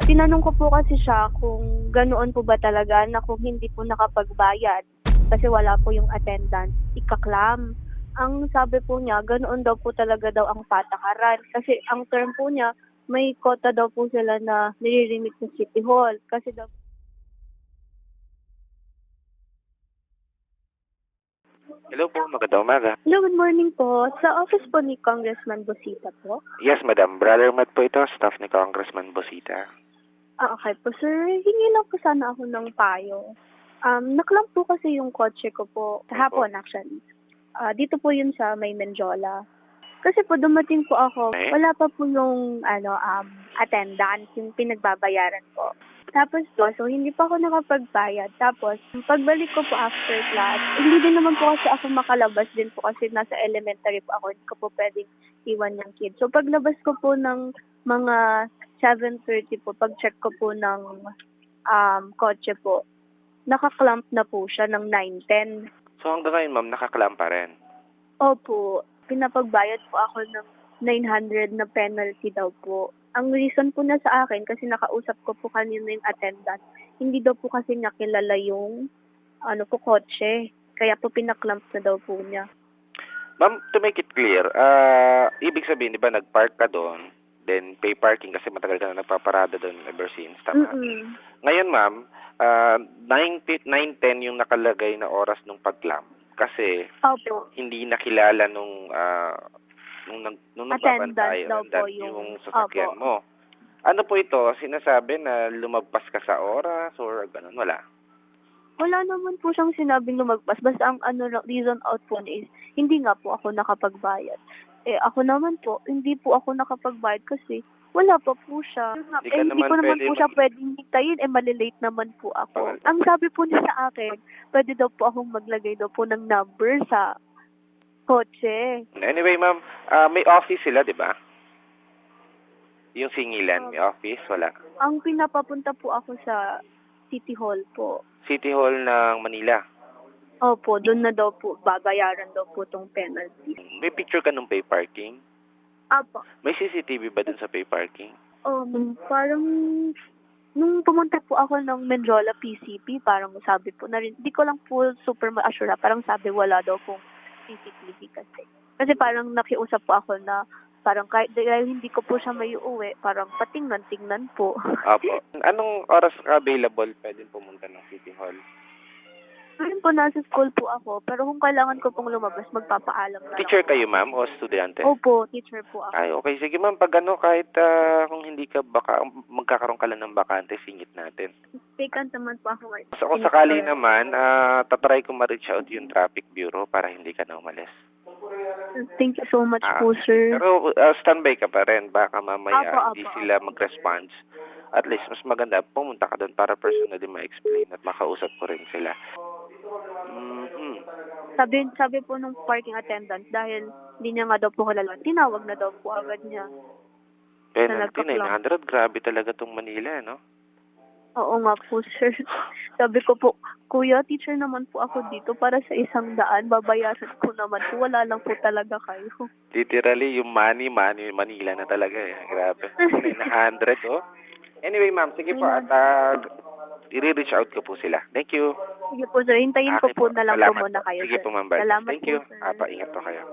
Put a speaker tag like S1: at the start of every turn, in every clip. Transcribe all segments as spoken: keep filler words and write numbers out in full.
S1: Tinanong ko po kasi siya kung ganoon po ba talaga na kung hindi po nakapagbayad kasi wala po yung attendance, ikaklam. Ang sabi po niya, ganoon daw po talaga daw ang patakaran. Kasi ang term po niya, may kota daw po sila na nire-remit sa City Hall. Kasi daw
S2: Hello po, magandang umaga.
S1: Hello, good morning po. Sa office po ni Congressman Busita po.
S2: Yes, madam. Brother Matt po ito, staff ni Congressman Busita.
S1: Ah, okay po, sir. Hingi lang po sana ako ng payo. Um, naklam po kasi yung kotse ko po kahapon actually. Ah, dito po yun sa may Menjola. Kasi po dumating po ako,
S2: Okay.
S1: wala pa po yung ano um attendance, yung pinagbabayaran po. Tapos po, so hindi pa ako nakapagbayad. Tapos, pagbalik ko po after class, hindi din naman po kasi ako makalabas din po kasi nasa elementary po ako, hindi ko po pwedeng iwan yung kid. So, paglabas ko po ng mga seven thirty po, pag-check ko po ng um, kotse po, nakaklamp na po siya ng nine ten.
S2: So hanggang ngayon, ma'am, nakaklam pa rin.
S1: Opo, pinapagbayad po ako ng nine hundred na penalty daw po. Ang reason po na sa akin, kasi nakausap ko po kanina yung attendant, hindi daw po kasi niya kilala yung ano po, kotse. Kaya po pinaklamp na daw po niya.
S2: Ma'am, to make it clear, ah, ibig sabihin, di ba, nag-park ka doon, then pay parking kasi matagal ka na nagpaparada doon ever since, tama?
S1: Mm-mm.
S2: Ngayon, ma'am, uh, nine ten yung nakalagay na oras nung paglam kasi
S1: Opo,
S2: hindi nakilala nung uh, nung, nag, nung nagbabantay
S1: attendant daw po
S2: yung, yung
S1: yung,
S2: sasakyan
S1: opo.
S2: mo. Ano po ito? Sinasabi na lumagpas ka sa oras or ganun? Wala.
S1: Wala naman po siyang sinabing lumagpas. Basta ang ano lang- reason out po niya is, hindi nga po ako nakapagbayad. Eh ako naman po, hindi po ako nakapagbayad kasi wala pa po siya. Yun nga,
S2: Hindi
S1: eh,
S2: ka
S1: hindi
S2: naman
S1: ko naman
S2: pwede
S1: po siya
S2: mag-
S1: pwedeng hintayin, eh malilate naman po ako.
S2: Bawal.
S1: Ang sabi po niya sa akin, pwede daw po akong maglagay daw po ng number sa kotse.
S2: Anyway, ma'am, ah, may office sila, di ba? Yung singilan,
S1: Um,
S2: may office, wala.
S1: Ang pinapapunta po ako sa City Hall po.
S2: City Hall ng Manila.
S1: Opo, doon na daw po, babayaran daw po tong penalty.
S2: May picture ka nung pay parking?
S1: Apo.
S2: May C C T V ba dun sa pay parking?
S1: Um, parang nung pumunta po ako ng Menjola P C P, parang sabi po na rin, di ko lang po super ma-assure, parang sabi wala daw pong C C T V kasi. Kasi parang nakiusap po ako na parang kahit dahil hindi ko po siya may uuwi, parang patingnan-tingnan po.
S2: Opo. Anong oras ka available pwedeng pumunta ng City Hall?
S1: Ngayon po nasa school po ako, pero kung kailangan ko pong lumabas, magpapaalam na lang
S2: Teacher
S1: po
S2: kayo,
S1: ako.
S2: ma'am, o estudyante?
S1: Opo, teacher po ako.
S2: Ay, okay. Sige, ma'am. Pag ano, kahit ah, kung hindi ka baka, magkakaroon ka lang ng bakante, singit natin.
S1: Vacant naman po ako ngayon.
S2: So, kung sakali naman, ah, tatry ko ma-reach out yung traffic bureau para hindi ka na umalis.
S1: Thank you so much
S2: Ah,
S1: po, sir.
S2: Pero ah, standby ka pa rin. Baka mamaya
S1: Apo,
S2: hindi
S1: apo,
S2: sila
S1: apo.
S2: mag-response. At least, mas maganda, pumunta ka doon para personally ma-explain at makausap ko rin sila. Mm-hmm.
S1: Sabi, sabi po nung parking attendant, dahil hindi niya nga daw po kilala, tinawag na daw po agad niya.
S2: Penalty,
S1: nagka-clock.
S2: nine hundred. Grabe talaga tong Manila, no?
S1: Oo nga po, sir. Sabi ko po, kuya, teacher naman po ako dito para sa isang daan, babayaran ko naman po, wala lang po talaga kayo.
S2: Literally, yung money, money, Manila na talaga eh. Grabe. nine hundred, oh. Anyway, ma'am, sige po. At uh, i-reach out ko po sila. Thank you.
S1: Sige po, sir. Hintayin ko
S2: Okay
S1: po
S2: po.
S1: na lang
S2: Salamat
S1: po muna
S2: po.
S1: kayo,
S2: Sige
S1: sir.
S2: po, ma'am. Bal.
S1: Salamat
S2: Thank
S1: po,
S2: you.
S1: sir.
S2: Apa, ingat po kayo.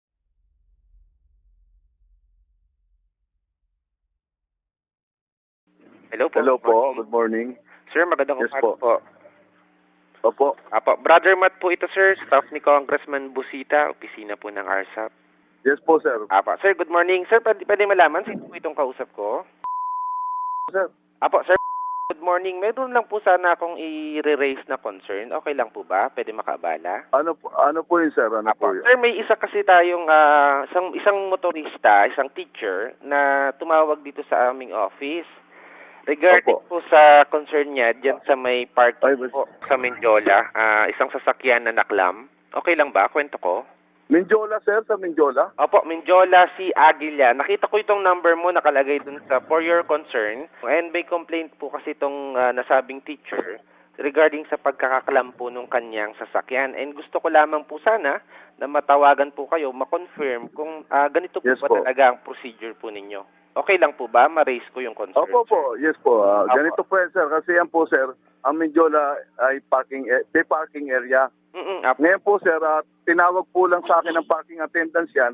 S2: Hello po.
S3: Hello
S2: good
S3: po,
S2: morning.
S3: good morning.
S2: Sir, magandang
S3: Yes
S2: umaga
S3: po.
S2: po.
S3: Opo,
S2: Apo, Brother Matt po ito, sir. Staff ni Congressman Busita, opisina po ng R S A P.
S3: yes po sir.
S2: Apo, sir, good morning. Sir, pwede, pwede malaman sino po itong kausap ko?
S3: Sir,
S2: Apo, sir, good morning. Meron lang po sana akong i-raise na concern. Okay lang po ba? Pwede makaabala?
S3: ano po, ano po yun sir? Ano
S2: Apo,
S3: po yun?
S2: sir, may isa kasi tayong ah, isang, isang motorista, isang teacher na tumawag dito sa aming office. Regarding po
S3: Opo.
S2: sa concern niya diyan sa may
S3: Ay,
S2: parking
S3: bas-
S2: po sa Menjola, ah, isang sasakyan na naklam. Okay lang ba? Kwento ko?
S3: Minjola sir, sa Minjola?
S2: Opo, Menjola si Aguila. Nakita ko itong number mo nakalagay dun sa for your concern. And may complaint po kasi itong ah, nasabing teacher regarding sa pagkakaklam po nung kanyang sasakyan. And gusto ko lamang po sana na matawagan po kayo, ma-confirm kung ah, ganito po
S3: Yes
S2: ba
S3: po.
S2: talaga ang procedure po ninyo. Okay lang po ba? Ma-raise ko yung concern,
S3: Opo
S2: sir.
S3: po, yes po. Ah,
S2: Opo.
S3: ganito po yan, sir. Kasi yan po, sir, ang Mindiola ay parking, eh, may parking area.
S2: Mm-mm, apo.
S3: Ngayon po, sir, ah, tinawag po lang sa akin ng parking attendants yan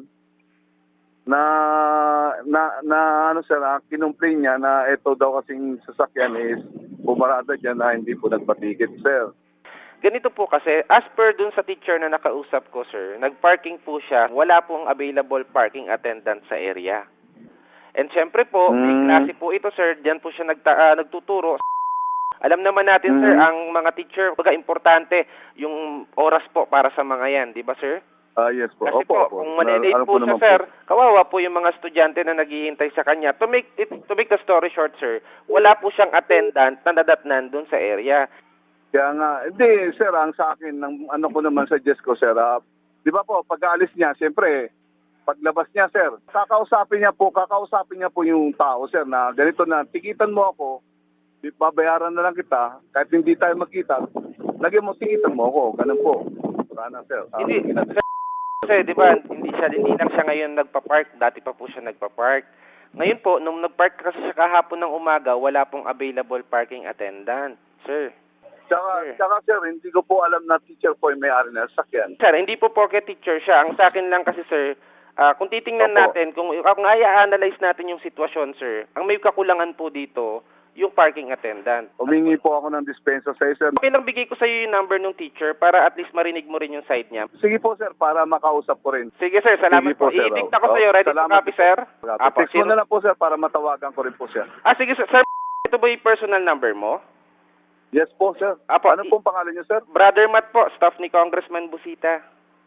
S3: na, na, na ano, sir, ah, kinumplain niya na ito daw kasing sasakyan is pumarada dyan na hindi po nagpatigit, sir.
S2: Ganito po kasi, as per dun sa teacher na nakausap ko, sir, nag-parking po siya, wala pong available parking attendant sa area. And syempre po, may
S3: Mm.
S2: klase po ito, sir, diyan po siya nagta- ah, nagtuturo. Alam naman natin, sir,
S3: Mm.
S2: ang mga teacher, baga importante yung oras po para sa mga yan, di ba, sir?
S3: Ah, yes po.
S2: Kasi
S3: Opo,
S2: po,
S3: opo.
S2: kung
S3: Na-
S2: malilate
S3: ano
S2: po siya,
S3: naman
S2: sir, kawawa po yung mga estudyante na naghihintay sa kanya. To make, it, to make the story short, sir, wala po siyang attendant na nadatnan dun sa area.
S3: Kaya nga, hindi, sir, ang sa akin, ng, ano ko naman suggest ko, sir, ah, di ba po, pag-aalis niya, siyempre, paglabas niya, sir, kakausapin niya po, kakausapin niya po yung tao, sir, na ganito na, tikitan mo ako, di- babayaran na lang kita, kahit hindi tayo magkita, lagyan mo, tikitan mo ako, ganun po. Sana, sir. ang
S2: Hindi,
S3: ginag-
S2: Kasi, di ba, hindi siya, hindi lang siya ngayon nagpa-park, dati pa po siya nagpa-park. Ngayon po, nung nag-park kasi siya kahapon ng umaga, wala pong available parking attendant, sir.
S3: Tsaka,
S2: Sir.
S3: tsaka, sir, hindi ko po alam na teacher po yung may-ari na sakyan.
S2: Sir, hindi po porke teacher siya. Ang sa akin lang kasi, sir, ah, kung titingnan
S3: Opo.
S2: natin, kung, kung i-analyze natin yung sitwasyon, sir, ang may kakulangan po dito, yung parking attendant.
S3: Humingi po ako ng dispensa sa sir.
S2: Okay lang bigay ko sa iyo yung number ng teacher para at least marinig mo rin yung side niya.
S3: Sige po, sir, para makausap ko rin.
S2: Sige, sir, salamat
S3: Sige po,
S2: po.
S3: sir.
S2: I-dicta ko
S3: Oh,
S2: sa iyo. Ready to
S3: salamat
S2: copy,
S3: po.
S2: sir? Apo,
S3: Text mo
S2: zero-
S3: na lang po, sir, para matawagan ko rin po, sir.
S2: Ah, sige, sir. Sir, ito ba yung personal number mo?
S3: Yes po, sir.
S2: Apo,
S3: Ano
S2: i-
S3: pong pangalan niyo, sir?
S2: Brother Matt po, staff ni Congressman Busita.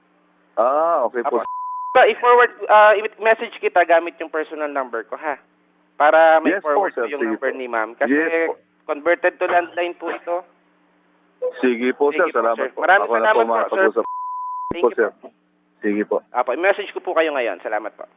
S3: Ah, okay po.
S2: Apo. So, i-forward, uh, i-message kita gamit yung personal number ko, ha? Para may
S3: Yes po,
S2: forward
S3: sir.
S2: ko yung
S3: Sige
S2: number
S3: po.
S2: ni ma'am. Kasi
S3: Yes po.
S2: converted to landline po ito.
S3: Sige po,
S2: Sige
S3: sir.
S2: po,
S3: Salamat
S2: sir.
S3: po.
S2: Maraming
S3: Ako na po
S2: salamat po,
S3: makapag-usap
S2: Thank
S3: po,
S2: you
S3: sir.
S2: po.
S3: Sige po.
S2: Apo, i-message ko po kayo ngayon. Salamat po.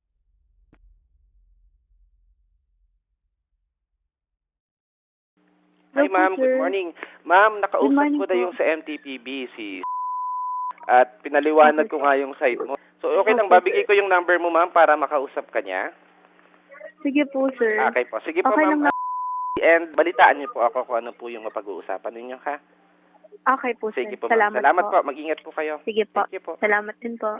S2: Hi,
S1: Hello po,
S2: ma'am. Good
S1: sir.
S2: morning. Ma'am, nakausap
S1: Good morning
S2: ko na
S1: po.
S2: yung sa M T P B, si at pinaliwanag ko nga yung site mo. So, okay lang,
S1: Okay,
S2: babigay ko yung number mo, ma'am, para makausap ka niya.
S1: Sige po, sir.
S2: Okay po. Sige po,
S1: Okay
S2: ma'am.
S1: lang na.
S2: And balitaan niyo po ako kung ano po yung mapag-uusapan ninyo, ha?
S1: Okay po, sir.
S2: Sige po, ma'am.
S1: Salamat,
S2: Salamat po.
S1: po.
S2: Mag-ingat po kayo.
S1: Sige po.
S2: Thank you po.
S1: Salamat din po.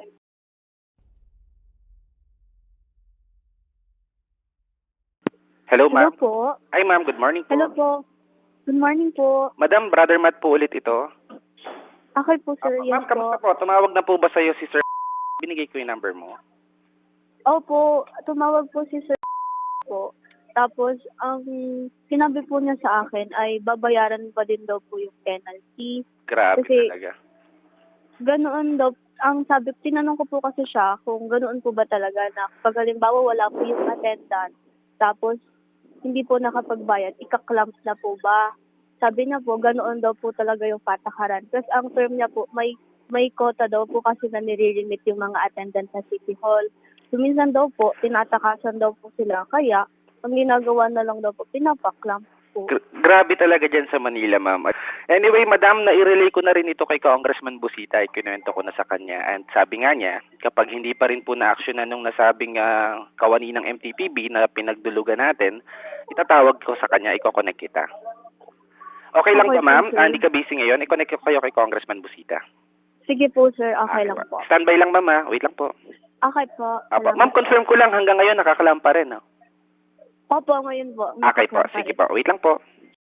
S2: Hello,
S1: Hello
S2: ma'am.
S1: po.
S2: Hi, ma'am. Good morning po.
S1: Hello po. Good morning po.
S2: Madam, Brother Matt po ulit ito.
S1: Okay po, sir.
S2: Apo,
S1: Yes
S2: ma'am, kamusta
S1: po.
S2: po? Tumawag na po ba sa'yo si Sir? Binigay ko yung number mo.
S1: Opo, tumawag po si sir po. Tapos, ang sinabi po niya sa akin ay babayaran pa din daw po yung penalty.
S2: Grabe
S1: Kasi-
S2: talaga.
S1: Ganoon daw, ang sabi, tinanong ko po kasi siya kung ganoon po ba talaga na pag halimbawa wala po yung attendant, tapos hindi po nakapagbayad, ikaklamp na po ba? Sabi niya po, ganoon daw po talaga yung patakaran. Kasi ang term niya po, may may quota daw po kasi na nire-limit yung mga attendant sa City Hall. So, minsan daw po, tinatakasan daw po sila. Kaya, ang ginagawa na lang daw po, pinapaklamp po.
S2: Gra- grabe talaga dyan sa Manila, ma'am. Anyway, madam, na-relay ko na rin ito kay Congressman Busita. Kinuwento ko na sa kanya. And sabi nga niya, kapag hindi pa rin po na-actionan nung nasabing uh, kawani ng M T P B na pinagdulugan natin, itatawag ko sa kanya, iko-connect kita. Okay lang
S1: Okay
S2: ba, ma'am?
S1: po, sir.
S2: Ah, hindi ka busy ngayon? I-connect ko kayo kay Congressman Busita.
S1: Sige po, sir. Okay lang po.
S2: Standby lang, ma'am, ha? Wait lang po.
S1: Okay po.
S2: Apo.
S1: Salamat
S2: Ma'am,
S1: po.
S2: confirm ko lang hanggang ngayon nakakalampa rin, no?
S1: Opo, ngayon po.
S2: Okay po.
S1: Nakaklampa
S2: Sige
S1: rin.
S2: po. Wait lang po.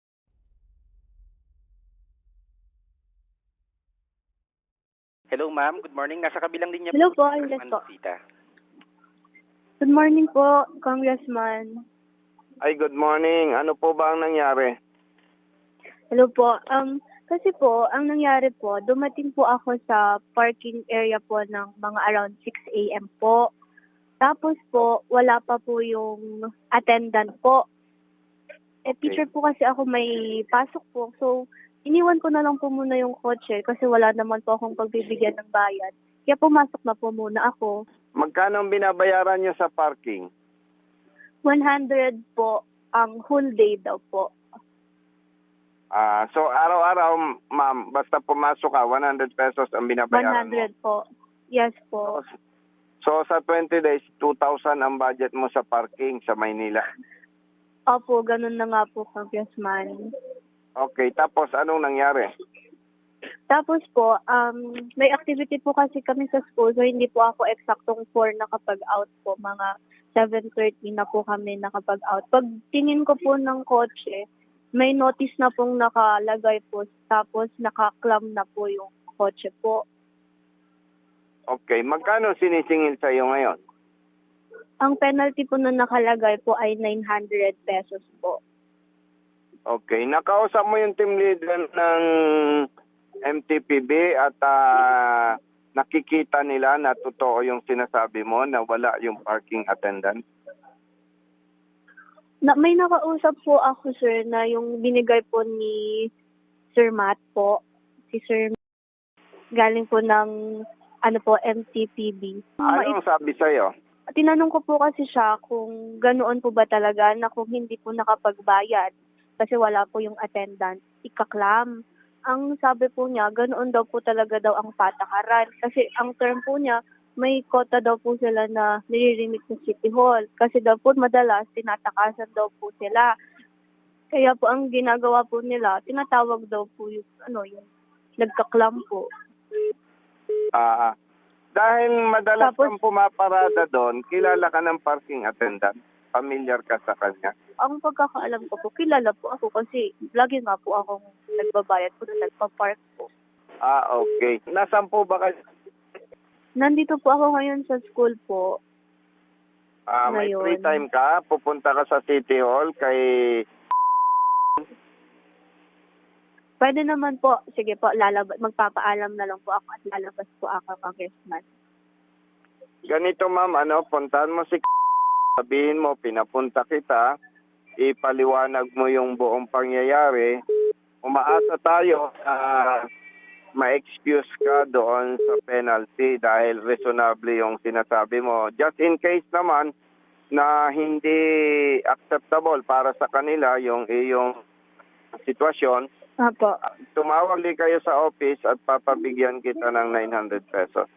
S2: Hello, ma'am. Good morning. Nasa kabilang linya
S1: Hello po,
S2: Congressman
S1: yes po.
S2: Busita.
S1: Good morning po, Congressman.
S3: Ay, good morning. Ano po ba ang nangyari?
S1: Hello po. Um, kasi po, ang nangyari po, dumating po ako sa parking area po ng mga around six a m po. Tapos po, wala pa po yung attendant po. Eh, teacher po kasi ako may pasok po. So, iniwan ko na lang po muna yung kotse kasi wala naman po akong pagbibigyan ng bayad. Kaya pumasok na po muna ako.
S3: Magkano ang binabayaran niyo sa parking?
S1: one hundred po ang whole day daw po.
S3: Ah, so araw-araw, ma'am, basta pumasok ka, one hundred pesos ang
S1: one
S3: binabayaran
S1: hundred po. Yes
S3: mo.
S1: po.
S4: So sa twenty days, two thousand ang budget mo sa parking sa Maynila.
S1: Opo, ganun na nga po, Congressman.
S4: Okay, tapos anong nangyari?
S1: Tapos po, um, may activity po kasi kami sa school, so hindi po ako eksaktong four nakapag-out po. Mga seven thirty na po kami nakapag-out. Pag tingin ko po ng kotse, may notice na pong nakalagay po, tapos nakaklam na po yung kotse po.
S4: Okay, magkano sinisingil sa iyo ngayon?
S1: Ang penalty po na nakalagay po ay nine hundred pesos po.
S4: Okay, nakausap mo yung team leader ng M T P B at ah, nakikita nila na totoo yung sinasabi mo na wala yung parking attendant?
S1: Na, may nakausap po ako, sir, na yung binigay po ni Sir Matt po. Si Sir galing po ng ano po, M T P B.
S4: Ano ang sabi sa'yo?
S1: Tinanong ko po kasi siya kung ganoon po ba talaga na kung hindi po nakapagbayad kasi wala po yung attendant, ikaklam. Ang sabi po niya, ganoon daw po talaga daw ang patakaran. Kasi ang term po niya, may kota daw po sila na nililimit sa City Hall. Kasi daw po madalas, tinatakasan daw po sila. Kaya po ang ginagawa po nila, tinatawag daw po yung, ano, yung nagkaklam po.
S4: Ah, dahil madalas
S1: Tapos-
S4: kang pumaparada doon, kilala ka ng parking attendant? Familiar ka sa kanya?
S1: Ang pagkakaalam ko po, kilala po ako kasi lagi nga po akong nagbabayad po na nagpa-park po.
S4: Ah, okay. Nasaan po ba kayo?
S1: Nandito po ako ngayon sa school po.
S4: Ah, may
S1: Ngayon.
S4: free time ka? Pupunta ka sa City Hall kay...
S1: Pwede naman po, sige po, lalabas, magpapaalam na lang po ako at lalabas po ako, Congressman.
S4: Ganito ma'am, ano, puntahan mo si sabihin mo, pinapunta kita, ipaliwanag mo yung buong pangyayari, umaasa tayo na ma-excuse ka doon sa penalty dahil reasonable yung sinasabi mo. Just in case naman na hindi acceptable para sa kanila yung iyong sitwasyon,
S1: Apo.
S4: tumawag din kayo sa office at papabigyan kita ng nine hundred pesos.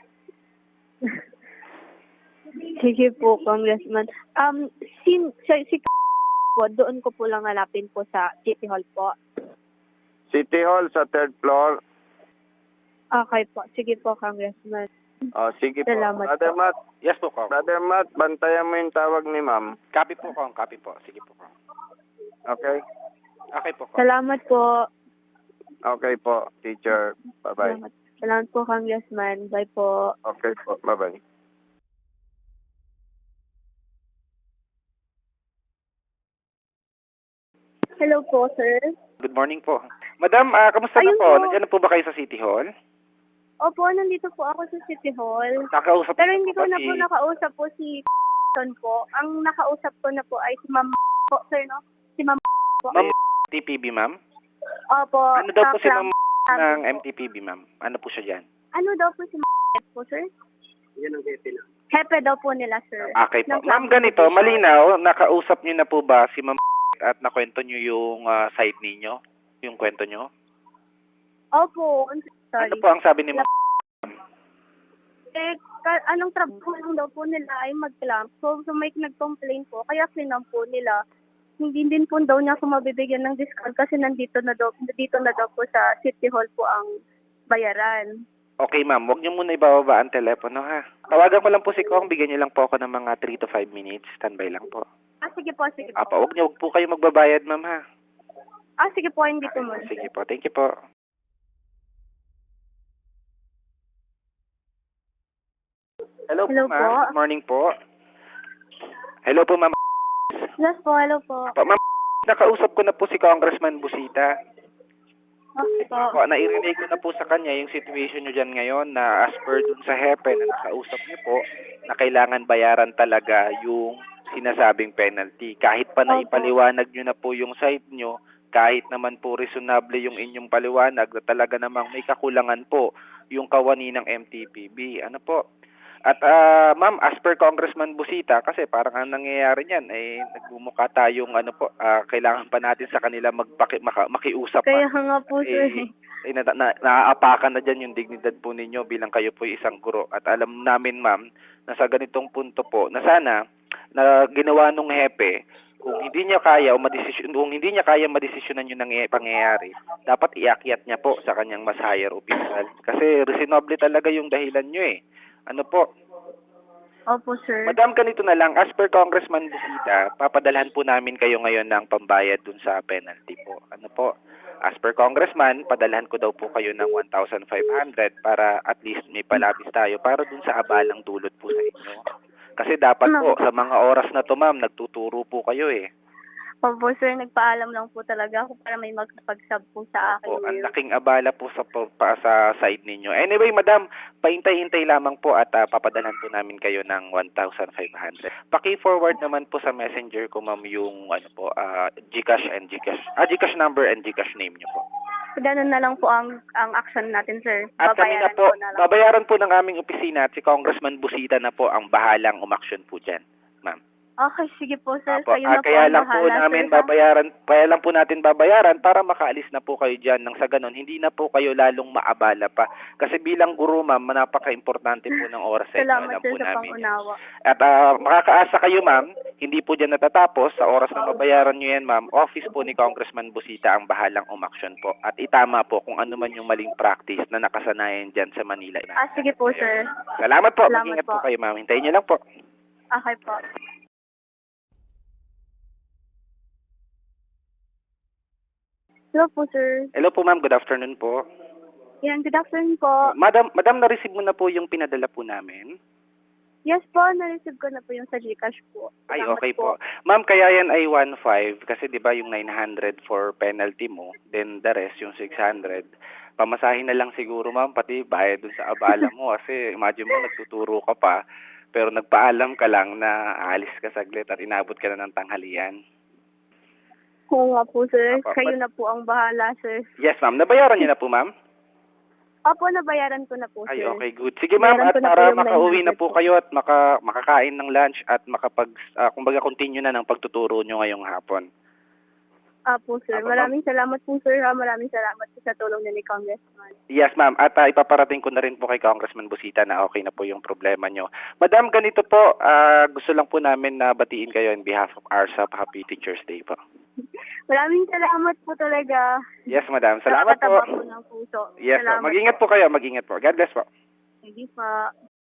S1: Sige po, Congressman. Um, si, si, si po, doon ko po lang hanapin po sa City Hall po.
S4: City Hall sa third floor.
S1: Okay po. Sige po, Congressman.
S4: Oh, sige po.
S1: Salamat
S4: Brother
S1: po.
S4: Matt,
S2: Yes po, Kong.
S4: Brother Matt, bantayan mo yung tawag ni ma'am.
S2: Copy po, Kong. Copy po. Sige po, Kong.
S4: Okay?
S2: Okay po, Kong.
S1: Salamat po.
S4: Okay po, teacher. Bye-bye.
S1: Salamat. Salamat po, Congressman. Bye po.
S4: Okay po, bye-bye.
S1: Hello po, sir.
S2: Good morning po. Madam, ah, kamusta na
S1: Ayun
S2: po?
S1: po.
S2: Nandiyan na po ba kayo sa City Hall?
S1: Opo, nandito po ako sa City Hall.
S2: Nakausap
S1: Pero
S2: niyo
S1: hindi
S2: po
S1: ko
S2: ba
S1: na
S2: si...
S1: po nakausap po si po. Ang nakausap ko na po ay si Ma'am po, sir, no? Si Ma'am po.
S2: Ma'am M T P B, ma'am?
S1: Opo.
S2: Ano daw po si
S1: sa
S2: Ma'am
S1: club
S2: ng
S1: po.
S2: M T P B, ma'am? Ano po siya dyan?
S1: Ano daw po si Ma'am po, sir?
S4: Yan ang hepe lang.
S1: Hepe daw po nila, sir.
S2: Okay po.
S1: Ng
S2: Ma'am,
S1: club
S2: ganito,
S1: competition.
S2: malinaw, nakausap niyo na po ba si Ma'am at nakwento niyo yung ah, side ninyo? Yung kwento niyo?
S1: Opo. Sorry.
S2: Ano po ang sabi ni Ma'am?
S1: Eh, ka- anong trabaho lang daw po nila ay mag-clamp. So, so may nag-complain po, kaya clamp po nila. Hindi din po daw niya ako mabibigyan ng discount kasi nandito na daw, nandito na daw po sa City Hall po ang bayaran.
S2: Okay, ma'am. Huwag niyo muna ibababa ang telepono, ha? Tawagan ko lang po si Kong. Bigyan niyo lang po ako ng mga three to five minutes. Standby lang po.
S1: Ah, sige po, sige po.
S2: Apa, huwag niyo, huwag po kayo magbabayad, ma'am, ha?
S1: Ah, sige po, hindi po muna.
S2: Sige po. Thank you po. Hello,
S1: Hello
S2: po, ma'am.
S1: po.
S2: Good morning po. Hello po, ma'am.
S1: Yes po, hello po.
S2: Pa, ma'am, nakausap ko na po si Congressman Busita.
S1: Okay po.
S2: Po, nairinig ko na po sa kanya yung situation nyo dyan ngayon na as per dun sa hepe na nakausap nyo po na kailangan bayaran talaga yung sinasabing penalty. Kahit pa na
S1: Opo.
S2: ipaliwanag nyo na po yung side nyo, kahit naman po reasonable yung inyong paliwanag na talaga namang may kakulangan po yung kawani ng M T P B. Ano po? At ah, ma'am, as per Congressman Busita, kasi parang ang nangyayari niyan, eh, nagbumuka tayong ano po, ah, kailangan pa natin sa kanila magpaki, maka, makiusap
S1: Kaya
S2: pa.
S1: nga po, sir.
S2: Eh, eh, na, na, naaapakan na dyan yung dignidad po ninyo bilang kayo po isang guro. At alam namin, ma'am, na sa ganitong punto po na sana na ginawa nung hepe, kung hindi niya kaya o madesisyon, kung hindi niya kaya madesisyonan yung nangy- pangyayari, dapat iakyat niya po sa kanyang mas higher official. Kasi reasonable talaga yung dahilan nyo eh. Ano po?
S1: Opo, sir.
S2: Madam, ganito na lang. As per Congressman Busita, papadalhan po namin kayo ngayon ng pambayad dun sa penalty po. Ano po? As per Congressman, padalhan ko daw po kayo ng one thousand five hundred para at least may palabis tayo para dun sa abalang dulot po sa inyo. Kasi dapat po, sa mga oras na to, ma'am, nagtuturo po kayo eh.
S1: Opo, sir. Nagpaalam lang po talaga ako para may magpag-sub po sa akin.
S2: O, ang
S1: ngayon.
S2: laking abala po sa, pa, sa side ninyo. Anyway, madam, paintay-hintay lamang po at uh, papadalhan po namin kayo ng one thousand five hundred. Paki-forward naman po sa messenger ko, ma'am, yung ano po, uh, Gcash and Gcash, ah, Gcash number and Gcash name nyo po.
S1: Ganun na lang po ang ang action natin, sir.
S2: At kami na
S1: Babayaran
S2: po,
S1: ko na lang.
S2: babayaran po ng aming opisina at si Congressman Busita na po ang bahalang umaksyon po dyan, ma'am.
S1: Okay, sige po, sir.
S2: Apo,
S1: Kayo
S2: ah,
S1: na po
S2: kaya
S1: ang
S2: lang po
S1: bahala,
S2: namin
S1: sir, ha?
S2: babayaran, kaya lang po natin babayaran para makaalis na po kayo dyan nang sa ganon, hindi na po kayo lalong maabala pa. Kasi bilang guro, ma'am, napaka-importante po ng oras sa inyo.
S1: Salamat,
S2: Alam
S1: sir,
S2: po
S1: sa
S2: namin yan.
S1: pangunawa.
S2: At ah, makakaasa kayo, ma'am, hindi po dyan natatapos. Sa oras na mabayaran nyo yan, ma'am, office po ni Congressman Busita ang bahalang umaksyon po. At itama po kung ano man yung maling practice na nakasanayan dyan sa Manila.
S1: Ah, sige po, sir.
S2: Salamat po.
S1: Salamat
S2: Mag-ingat po
S1: po.
S2: kayo, ma'am. Hintayin nyo lang po.
S1: Okay po. Hello po, sir.
S2: Hello po, ma'am. Good afternoon po.
S1: Yan, good afternoon po.
S2: Madam, madam, na-receive mo na po yung pinadala po namin?
S1: Yes po, na-receive ko na po yung sa Gcash po.
S2: Ay,
S1: Salamat
S2: okay po. Ma'am, kaya yan ay one five kasi 'di ba yung nine hundred for penalty mo, then the rest yung six hundred. Pamasahin na lang siguro, ma'am, pati bayad dun sa abala mo kasi imagine mo nagtuturo ka pa pero nagpaalam ka lang na aalis ka saglit at inabot ka na ng tanghalian.
S1: Oo nga po, sir.
S2: Apo,
S1: Kayo
S2: but-
S1: na po ang bahala, sir.
S2: Yes, ma'am. Nabayaran niyo na po, ma'am?
S1: Opo, nabayaran ko na po,
S2: Ay,
S1: sir.
S2: okay, good. Sige, ma'am,
S1: Meron
S2: at
S1: ko na po
S2: para
S1: yung
S2: makauwi na
S1: nine hundred
S2: po
S1: po.
S2: kayo at maka, makakain ng lunch at makapag, ah, kumbaga, continue na ng pagtuturo nyo ngayong hapon.
S1: Apo, sir.
S2: Apo,
S1: Maraming salamat po, sir. ha. Maraming salamat po sa tulong niyo ni Congressman.
S2: Yes, ma'am. At ah, ipaparating ko na rin po kay Congressman Busita na okay na po yung problema nyo. Madam, ganito po, ah, gusto lang po namin na batiin kayo on behalf of R S A P. Happy Teacher's Day po.
S1: Maraming salamat po talaga.
S2: Yes, madam. Salamat po.
S1: Nakakataba po ng puso.
S2: Yes po.
S1: Salamat
S2: Mag-ingat po kayo. Mag-ingat po. God bless po.
S1: Hindi pa.